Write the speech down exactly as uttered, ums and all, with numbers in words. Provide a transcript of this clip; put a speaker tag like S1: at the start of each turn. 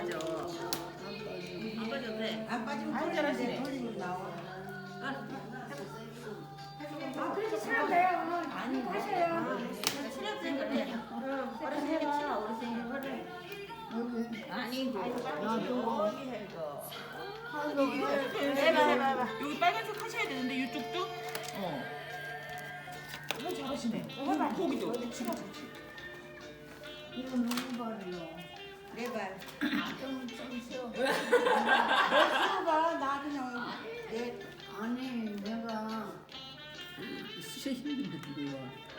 S1: 빠져. 안 빠져도 돼.
S2: 안 빠지면
S1: 아, 잘하시네.
S2: 돌리면 나와.
S3: 아, 그렇게 치면 돼요.
S1: 아니,
S3: 하셔요.
S1: 친학생 그래. 어르신에게 치마, 어르신이 그래. 아니, 나도 여기 해줘. 해봐, 해봐, 해봐.
S4: 여기 빨간색 하셔야 되는데 이쪽도?
S1: 어.
S4: 어 잘하시네.
S3: 해봐.
S4: 거기도 치마
S3: 이거 누구 발이요?
S2: 내 발.
S3: 좀, 좀 쉬어.
S2: 너 쉬어봐. 나 그냥 내
S3: 아니, 내가
S1: 진짜 힘든데, 이거.